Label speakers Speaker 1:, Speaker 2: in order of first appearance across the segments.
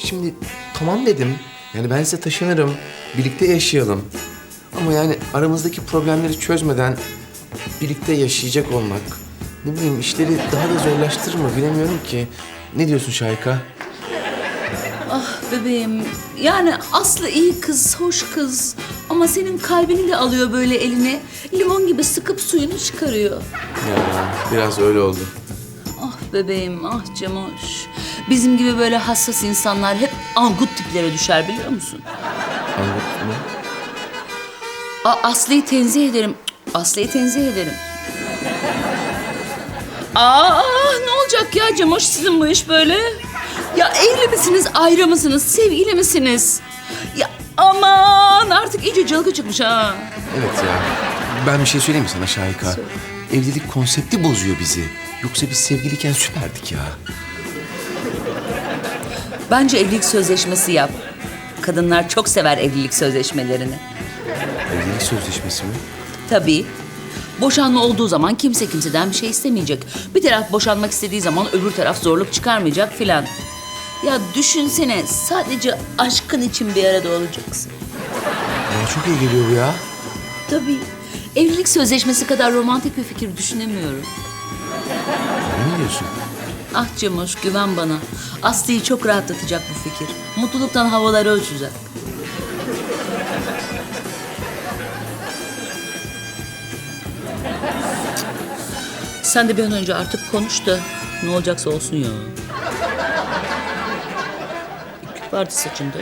Speaker 1: şimdi tamam dedim. Yani ben size taşınırım, birlikte yaşayalım. Ama yani aramızdaki problemleri çözmeden birlikte yaşayacak olmak... Ne bileyim işleri daha da zorlaştırır mı bilemiyorum ki. Ne diyorsun Şahika?
Speaker 2: Ah bebeğim, yani Aslı iyi kız, hoş kız. Ama senin kalbini de alıyor böyle eline. Limon gibi sıkıp suyunu çıkarıyor.
Speaker 1: Ya biraz öyle oldu.
Speaker 2: Ah bebeğim, ah Cemoş. Bizim gibi böyle hassas insanlar hep angut tiplere düşer biliyor musun?
Speaker 1: Anladın mı?
Speaker 2: Aslı'yı tenzih ederim. Aslı'yı tenzih ederim. Ne olacak ya Cemoş sizin bu iş böyle? Ya evli misiniz, ayrı mısınız, sevgili misiniz? Ya aman artık iyice cılgı çıkmış ha.
Speaker 1: Evet ya. Ben bir şey söyleyeyim mi sana Şahika? Evlilik konsepti bozuyor bizi. Yoksa biz sevgiliyken süperdik ya.
Speaker 2: Bence evlilik sözleşmesi yap. Kadınlar çok sever evlilik sözleşmelerini.
Speaker 1: Evlilik sözleşmesi mi?
Speaker 2: Tabii. Boşanma olduğu zaman kimse kimseden bir şey istemeyecek. Bir taraf boşanmak istediği zaman öbür taraf zorluk çıkarmayacak filan. Ya düşünsene sadece aşkın için bir arada olacaksın.
Speaker 1: Bana çok iyi geliyor bu ya.
Speaker 2: Tabii. Evlilik sözleşmesi kadar romantik bir fikir düşünemiyorum.
Speaker 1: Ne diyorsun?
Speaker 2: Ah Cemoş güven bana. Aslı'yı çok rahatlatacak bu fikir. Mutluluktan havaları uçacak. Sen de bir an önce artık konuş da ne olacaksa olsun ya. İplik vardı saçında.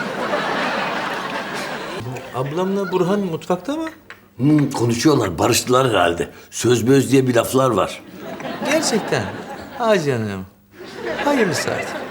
Speaker 3: Ablamla Burhan mutfakta mı?
Speaker 4: Konuşuyorlar, barıştılar herhalde. Söz böz diye bir laflar var.
Speaker 3: Gerçekten. Ha canım. Hayırlısı artık.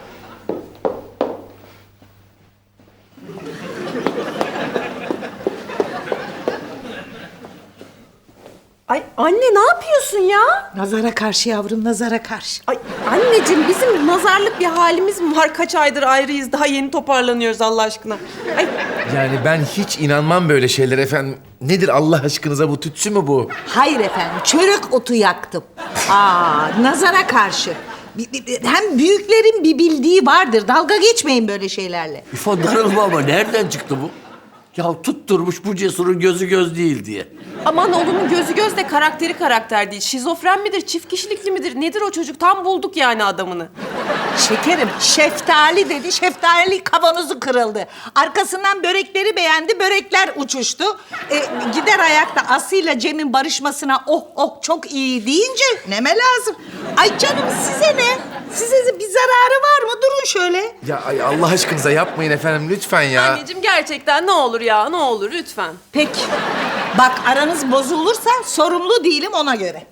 Speaker 5: Ay anne ne yapıyorsun ya?
Speaker 6: Nazara karşı yavrum, nazara karşı.
Speaker 5: Ay anneciğim bizim nazarlık bir halimiz mi var? Kaç aydır ayrıyız daha yeni toparlanıyoruz Allah aşkına. Ay
Speaker 1: Yani ben hiç inanmam böyle şeylere efendim. Nedir Allah aşkınıza bu tütsü mü bu?
Speaker 6: Hayır efendim, çörek otu yaktım. Nazara karşı. Hem büyüklerin bir bildiği vardır. Dalga geçmeyin böyle şeylerle.
Speaker 4: İfo darılma ama nereden çıktı bu? Ya tutturmuş bu Cesur'un gözü göz değil diye.
Speaker 5: aman oğlumun gözü göz de karakteri karakter değil. Şizofren midir, çift kişilikli midir? Nedir o çocuk? Tam bulduk yani adamını.
Speaker 6: Şekerim, şeftali dedi, şeftali kavanozu kırıldı. Arkasından börekleri beğendi, börekler uçuştu. Gider ayakta Aslı'yla Cem'in barışmasına çok iyi deyince neme lazım. Ay canım size ne? Size bir zararı var mı? Durun şöyle.
Speaker 1: Ya ay Allah aşkınıza yapmayın efendim lütfen ya.
Speaker 5: Anneciğim gerçekten ne olur ya ne olur lütfen.
Speaker 6: Peki. Bak aranız bozulursa sorumlu değilim ona göre.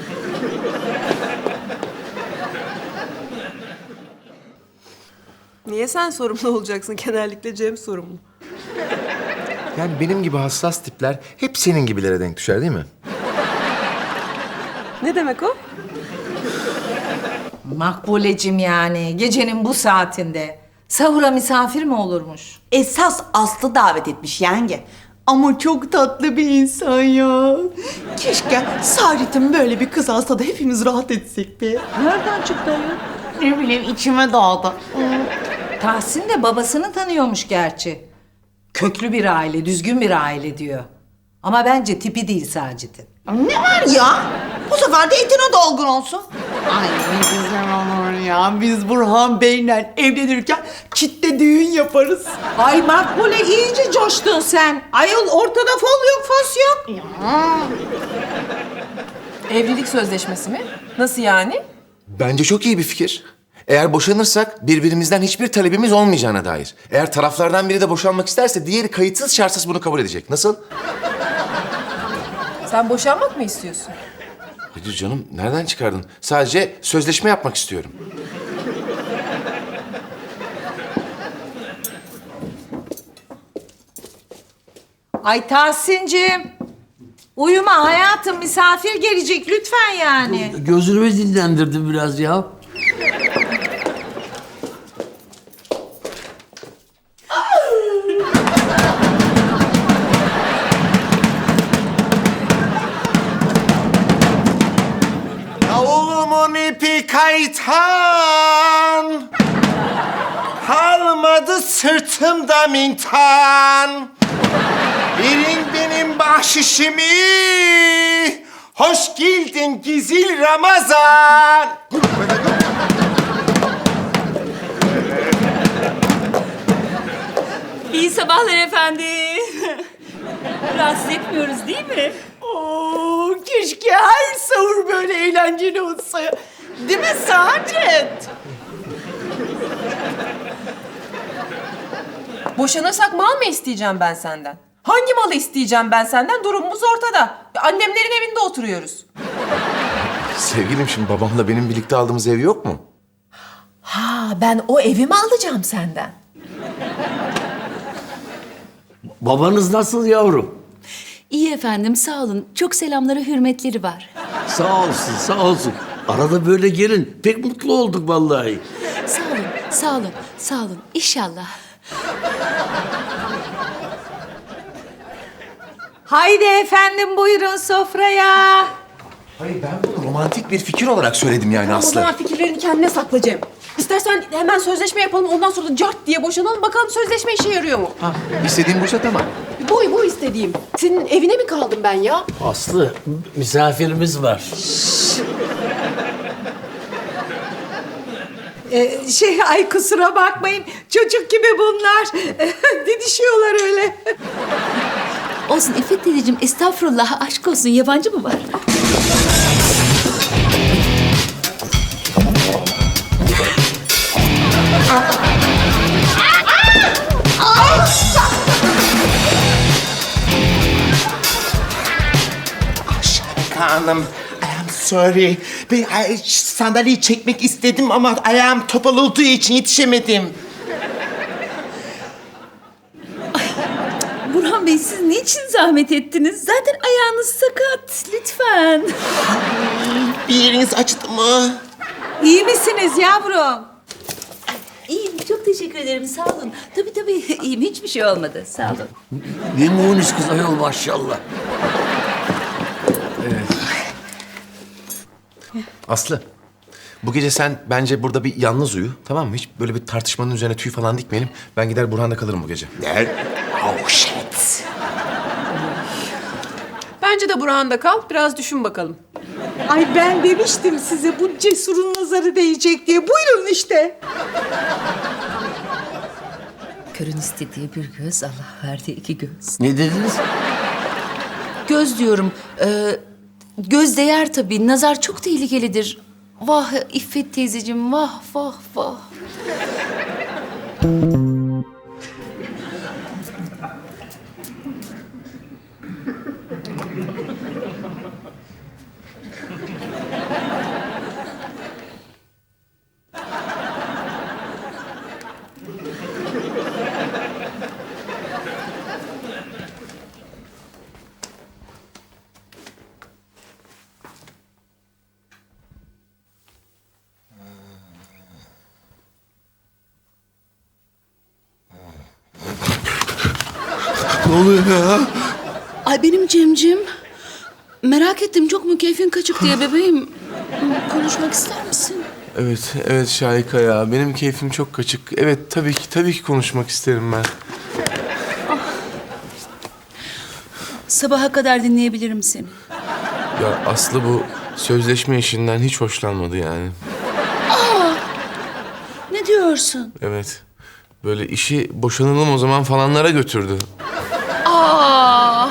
Speaker 5: Niye sen sorumlu olacaksın? Genellikle Cem sorumlu.
Speaker 1: Yani benim gibi hassas tipler hep senin gibilere denk düşer değil mi?
Speaker 5: Ne demek o?
Speaker 6: Makbulecim yani gecenin bu saatinde. Sahura misafir mi olurmuş?
Speaker 7: Esas Aslı davet etmiş yenge. Ama çok tatlı bir insan ya. Keşke Saadet'in böyle bir kız alsa da hepimiz rahat etsek be.
Speaker 6: Nereden çıktı ayol?
Speaker 7: Ne bileyim içime doğdu.
Speaker 6: Tahsin de babasını tanıyormuş gerçi. Köklü bir aile, düzgün bir aile diyor. Ama bence tipi değil Sacit'in.
Speaker 7: Ne var ya? Bu sefer de etine dolgun olsun. Ay ne güzel olur ya. Biz Burhan Bey'le evlenirken kitle düğün yaparız.
Speaker 6: Ay Makbule iyice coştun sen. Ayol ortada fol yok, fos yok.
Speaker 5: Evlilik sözleşmesi mi? Nasıl yani?
Speaker 1: Bence çok iyi bir fikir. Eğer boşanırsak birbirimizden hiçbir talebimiz olmayacağına dair. Eğer taraflardan biri de boşanmak isterse diğeri kayıtsız şartsız bunu kabul edecek. Nasıl?
Speaker 5: Sen boşanmak mı istiyorsun?
Speaker 1: Hayır canım nereden çıkardın? Sadece sözleşme yapmak istiyorum.
Speaker 6: Ay Tahsin'cim. Uyuma hayatım, misafir gelecek lütfen yani.
Speaker 4: Gözümü dinlendirdim biraz ya.
Speaker 1: Yavulumun ipi kaytan.
Speaker 8: Kalmadı sırtımda mintan. Verin benim bahşişimi. Hoş geldin Gizil Ramazan.
Speaker 2: İyi sabahlar efendim. Rahatsız etmiyoruz değil mi?
Speaker 7: Oo, keşke her sahur böyle eğlenceli olsa. Değil mi Saadet?
Speaker 5: Boşanırsak mal mı isteyeceğim ben senden? Hangi malı isteyeceğim ben senden? Durumumuz ortada. Annemlerin evinde oturuyoruz.
Speaker 1: Sevgilim, şimdi babamla benim birlikte aldığımız ev yok mu?
Speaker 5: Ha, ben o evi mi alacağım senden?
Speaker 4: Babanız nasıl yavrum?
Speaker 9: İyi efendim, sağ olun. Çok selamları, hürmetleri var.
Speaker 4: Sağ olsun, sağ olsun. Arada böyle gelin. Pek mutlu olduk vallahi.
Speaker 9: Sağ olun, sağ olun, sağ olun. İnşallah.
Speaker 6: Haydi efendim buyurun sofraya.
Speaker 1: Hayır, ben bunu romantik bir fikir olarak söyledim yani
Speaker 5: O
Speaker 1: Aslı.
Speaker 5: zaman fikirlerini kendine sakla Cem. İstersen hemen sözleşme yapalım, ondan sonra da cart diye boşanalım. Bakalım sözleşme işe yarıyor mu?
Speaker 1: Ha, istediğin buysa tamam.
Speaker 5: Bu istediğim. Senin evine mi kaldım ben ya?
Speaker 4: Aslı, misafirimiz var.
Speaker 6: Ay kusura bakmayın. Çocuk gibi bunlar. Didişiyorlar öyle.
Speaker 9: Olsun İffet teyzeciğim, estağfurullah, aşk olsun. Yabancı mı var?
Speaker 8: Hanım, I am sorry. Ben sandalyeyi çekmek istedim ama ayağım topal olduğu için yetişemedim.
Speaker 9: Burhan Bey, siz niçin zahmet ettiniz? Zaten ayağınız sakat. Lütfen.
Speaker 8: Bir yeriniz acıdı mı?
Speaker 6: İyi misiniz yavrum?
Speaker 9: İyiyim, çok teşekkür ederim. Sağ olun. Tabii, iyiyim. Hiçbir şey olmadı. Sağ olun.
Speaker 4: Ne munis kız ayol maşallah.
Speaker 1: Aslı, bu gece sen bence burada bir yalnız uyu, tamam mı? Hiç böyle bir tartışmanın üzerine tüy falan dikmeyelim. Ben gider Burhan'da kalırım bu gece.
Speaker 8: Oh shit.
Speaker 5: Bence de Burhan'da kal, biraz düşün bakalım.
Speaker 6: Ay ben demiştim size bu cesurun nazarı değecek diye. Buyurun işte.
Speaker 9: Körün istediği bir göz, Allah verdiği iki göz.
Speaker 4: Ne dediniz?
Speaker 9: Göz diyorum. Göz değer tabii. Nazar çok tehlikelidir. Vah İffet teyzeciğim, vah vah vah.
Speaker 1: Ne oluyor ya?
Speaker 9: Ay benim Cemcim. Merak ettim, çok mu keyfin kaçık diye bebeğim. Konuşmak ister misin?
Speaker 1: Evet Şahika ya. Benim keyfim çok kaçık. Evet, tabii ki konuşmak isterim ben.
Speaker 9: Sabaha kadar dinleyebilirim seni.
Speaker 1: Ya Aslı bu sözleşme işinden hiç hoşlanmadı yani.
Speaker 9: Ne diyorsun?
Speaker 1: Evet. Böyle işi boşanalım o zaman falanlara götürdü.
Speaker 9: Aa!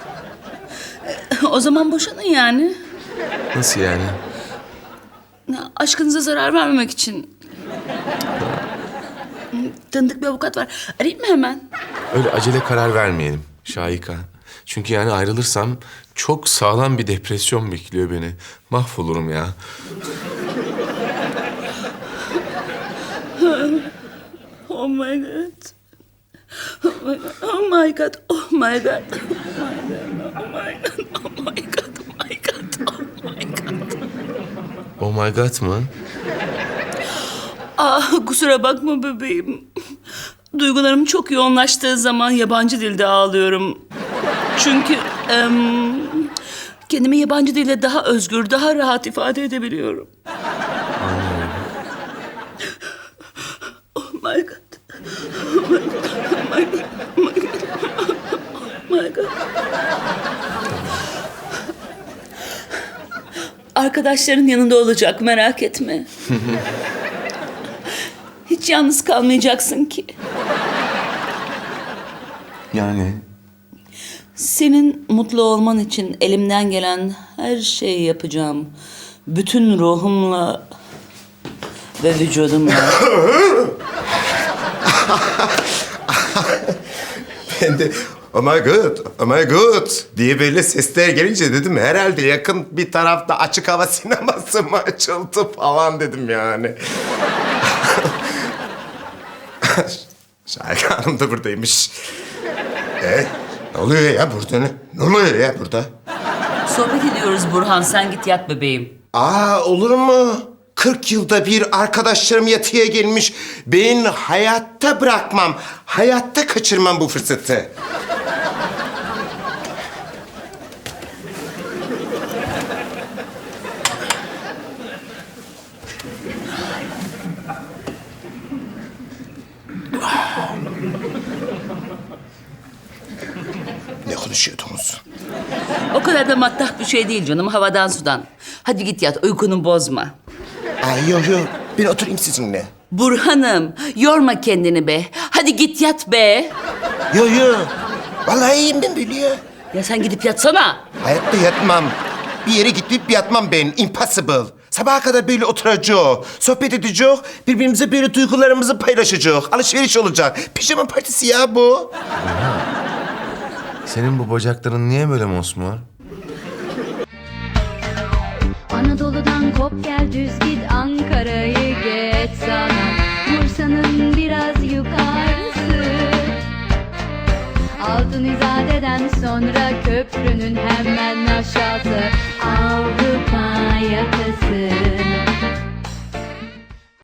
Speaker 9: O zaman boşanın yani.
Speaker 1: Nasıl yani?
Speaker 9: Aşkınıza zarar vermemek için. Tanıdık bir avukat var. Arayayım mı hemen?
Speaker 1: Öyle acele karar vermeyelim Şahika. Çünkü yani ayrılırsam çok sağlam bir depresyon bekliyor beni. Mahvolurum ya.
Speaker 9: Oh my god. Oh my god. Oh my god. Oh my god. Oh my god. Oh my god. Oh my god.
Speaker 1: Oh my god mı?
Speaker 9: Ah, kusura bakma bebeğim. Duygularım çok yoğunlaştığı zaman yabancı dilde ağlıyorum. Çünkü kendimi yabancı dilde daha özgür, daha rahat ifade edebiliyorum.
Speaker 1: Anlıyorum.
Speaker 9: Oh
Speaker 2: my God. Oh my God. Oh my God. Oh my God. Arkadaşların yanında olacak, merak etme. Hiç yalnız kalmayacaksın ki.
Speaker 1: Yani
Speaker 2: Senin mutlu olman için elimden gelen her şeyi yapacağım. Bütün ruhumla ve vücudumla.
Speaker 8: Ben de oh my god, oh my god diye böyle sesler gelince dedim herhalde yakın bir tarafta açık hava sineması mı açıldı falan dedim yani. Şahika Hanım da buradaymış. Ne oluyor ya burada? Ne oluyor ya burada?
Speaker 2: Sohbet ediyoruz Burhan, sen git yat bebeğim.
Speaker 8: Olur mu? 40 yılda bir arkadaşlarım yatıya gelmiş. Ben hayatta bırakmam, hayatta kaçırmam bu fırsatı. Ne konuşuyordunuz?
Speaker 2: O kadar da matah bir şey değil canım, havadan sudan. Hadi git yat, uykunu bozma.
Speaker 8: Yok. Ben oturayım sizinle.
Speaker 2: Burhan'ım, yorma kendini be. Hadi git yat be.
Speaker 8: Yok. Vallahi iyiyim ben böyle ya.
Speaker 2: Ya sen gidip yatsana.
Speaker 8: Hayatta yatmam. Bir yere gidip yatmam ben. Impossible. Sabaha kadar böyle oturacağız. Sohbet edeceğiz. Birbirimize böyle duygularımızı paylaşacağız. Alışveriş olacak. Pijama partisi ya bu.
Speaker 1: senin bu bacakların niye böyle mosmor?
Speaker 10: Anadolu'dan kop gel düz git Ankara'yı geç sana Bursa'nın biraz yukarısı Altın İzade'den sonra köprü